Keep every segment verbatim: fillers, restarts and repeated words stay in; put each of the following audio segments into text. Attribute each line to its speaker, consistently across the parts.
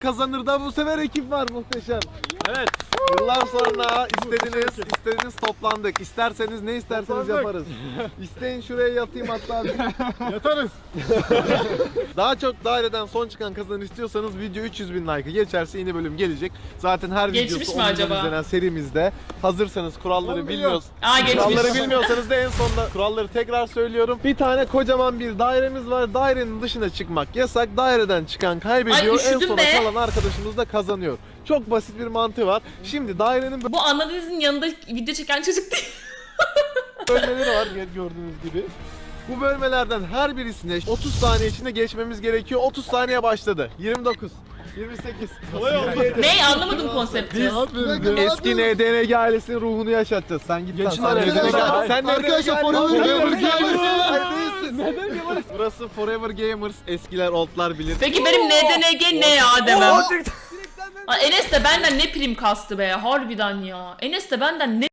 Speaker 1: Kazanır da bu sefer ekip var muhteşem.
Speaker 2: Evet.
Speaker 1: Yıllar sonra istediğiniz istediğiniz toplandık. İsterseniz ne isterseniz
Speaker 2: Toplandık.
Speaker 1: yaparız. İsteyin şuraya yatayım hatta.
Speaker 2: Yatarız.
Speaker 1: Daha çok daireden son çıkan kazanır istiyorsanız video üç yüz bin like'ı geçerse yeni bölüm gelecek. Zaten her
Speaker 3: Geçmiş
Speaker 1: videosu
Speaker 3: mi
Speaker 1: on bin
Speaker 3: acaba?
Speaker 1: izlenen serimizde. Hazırsanız kuralları
Speaker 2: on
Speaker 1: bilmiyoruz.
Speaker 3: Aa, geçmiş.
Speaker 1: Kuralları bilmiyorsanız da en sonunda kuralları tekrar söylüyorum. Bir tane kocaman bir dairemiz var. Dairenin dışına çıkmak yasak. Daireden çıkan kaybediyor.
Speaker 3: Ay,
Speaker 1: En
Speaker 3: üşüdüm
Speaker 1: sona
Speaker 3: be.
Speaker 1: kalan arkadaşımız da kazanıyor. Çok basit bir mantığı var. Şimdi dairenin
Speaker 3: Bu anladığınızın yanında video çeken çocuk değil.
Speaker 1: bölmeleri var gördüğünüz gibi. Bu bölmelerden her birisine otuz saniye içinde geçmemiz gerekiyor. otuz saniye başladı. yirmi dokuz, yirmi sekiz.
Speaker 3: Ne anlamadım konsepti.
Speaker 1: Eski N D N G ailesinin ruhunu yaşatacağız. Sen git.
Speaker 2: Geçin
Speaker 1: lan.
Speaker 2: araya.
Speaker 1: Sen N D N G
Speaker 2: Arkadaşlar,
Speaker 1: Sen N D N G
Speaker 4: arkadaşlar,
Speaker 1: ailesi-
Speaker 4: Forever
Speaker 1: Forever
Speaker 4: Gamers.
Speaker 1: Gamers. Hayır, değilsin. Burası Forever Gamers. Eskiler, oldlar bilir.
Speaker 3: Peki benim N D N G ne ya demem. Aa, Enes de benden ne prim kastı be harbiden ya. Enes de benden ne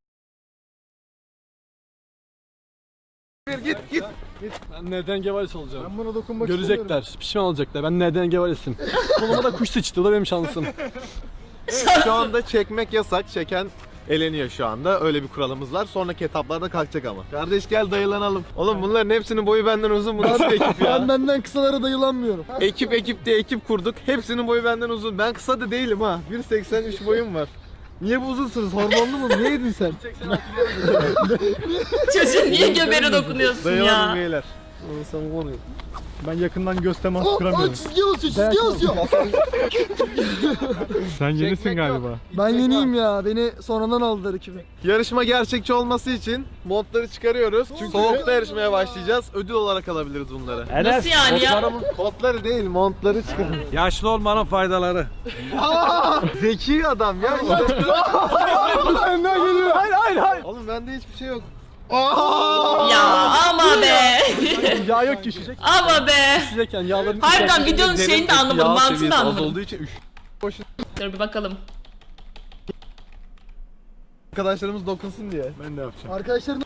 Speaker 1: Git git.
Speaker 2: Ben neden gevalis olacağım?
Speaker 4: Ben buna dokunmak istemiyorum.
Speaker 2: Görecekler, pişman olacaklar. Ben neden gevalisim? Koluma da kuş sıçtı, o da benim şansım.
Speaker 1: Şu anda çekmek yasak. Çeken eleniyor şu anda. Öyle bir kuralımız var. Sonraki etaplarda kalkacak ama. Kardeş gel dayılanalım. Oğlum bunların hepsinin boyu benden uzun. Bu nasıl bir ekip ya?
Speaker 4: Ben benden kısalara dayılanmıyorum.
Speaker 1: Ekip ekip diye ekip kurduk. Hepsinin boyu benden uzun. Ben kısa da değilim ha. bir seksen üç boyum var. Niye bu uzunsunuz? Hormonlu mu? Niye yedin sen?
Speaker 3: çocuğun niye göbeğine dokunuyorsun
Speaker 1: Dayılanın
Speaker 3: ya?
Speaker 1: beyler.
Speaker 2: Ben yakından göz teması
Speaker 4: Oh, oh, çizgiye basıyor, çizgiye basıyor.
Speaker 5: Sen yenisin galiba.
Speaker 4: Ben yeniyim ya, beni sonradan aldılar ekibi.
Speaker 1: Yarışma gerçekçi olması için montları çıkarıyoruz. Çünkü soğukta yarışmaya başlayacağız. Ödül olarak alabiliriz bunları.
Speaker 3: Nasıl yani ya?
Speaker 1: Kotları değil, montları çıkarın.
Speaker 5: Yaşlı olmanın faydaları.
Speaker 1: Zeki adam ya.
Speaker 2: Benden geliyor. Hayır hayır hayır.
Speaker 1: Oğlum bende hiçbir şey yok.
Speaker 3: Ya ama be.
Speaker 2: Yağ yok ki şişecek.
Speaker 3: Ama be.
Speaker 2: Şişecekken yağların
Speaker 3: Harbiden videonun şeyini de anlamadım, mantığını da
Speaker 1: Az
Speaker 3: anlamadım.
Speaker 1: olduğu için üş.
Speaker 3: Dur bir bakalım.
Speaker 1: Arkadaşlarımız dokunsun diye.
Speaker 2: Ben de yapacağım.
Speaker 4: Arkadaşlarım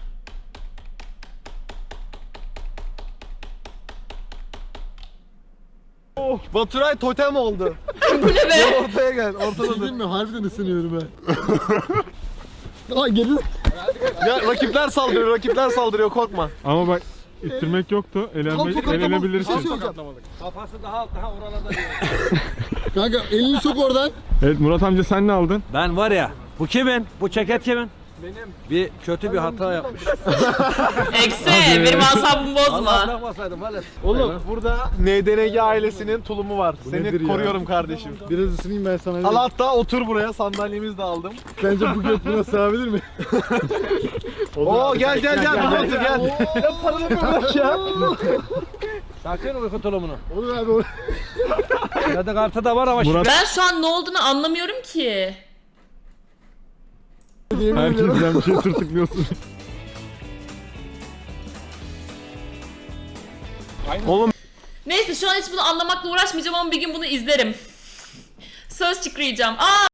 Speaker 1: Baturay totem oldu.
Speaker 3: Bu ne be?
Speaker 1: Ortaya gel, ortada dur.
Speaker 4: mi? Harbiden ısınıyorum ben. Aa geri.
Speaker 1: Ya rakipler saldırıyor, rakipler saldırıyor korkma.
Speaker 5: Ama bak ittirmek yoktu. Elenme,
Speaker 4: Top
Speaker 5: elenebilirsin.
Speaker 4: Bir şey söyleyeceğim.
Speaker 5: Kafası daha alt daha oralarda.
Speaker 4: Kanka elini sok oradan.
Speaker 5: Evet Murat amca sen ne aldın?
Speaker 6: Ben var ya, bu kimin? Bu ceket kimin? Benim. Bir kötü bir hata yapmış.
Speaker 3: Eksi benim asabımı bozma.
Speaker 6: Bırakmasaydım valet.
Speaker 1: Oğlum burada N D N G ailesinin tulumu var. Seni
Speaker 2: nedir ya?
Speaker 1: koruyorum kardeşim.
Speaker 2: Biraz ısınayım ben sana.
Speaker 1: Al hatta otur buraya, sandalyemizi de aldım.
Speaker 2: Sence bu göt buna sığabilir mi?
Speaker 1: Oo gel gel gel, gel, otur gel. Ya paranı bırak ya.
Speaker 6: Sakın uyku tulumunu.
Speaker 2: Olur abi olur.
Speaker 6: Kredi kartı da var ama
Speaker 5: Murat
Speaker 3: Ben şu an ne olduğunu anlamıyorum ki.
Speaker 5: herkesten bir şey tırtıklıyorsun.
Speaker 1: Oğlum
Speaker 3: Neyse şu an hiç bunu anlamakla uğraşmayacağım ama bir gün bunu izlerim. Söz çıkaracağım. Aa!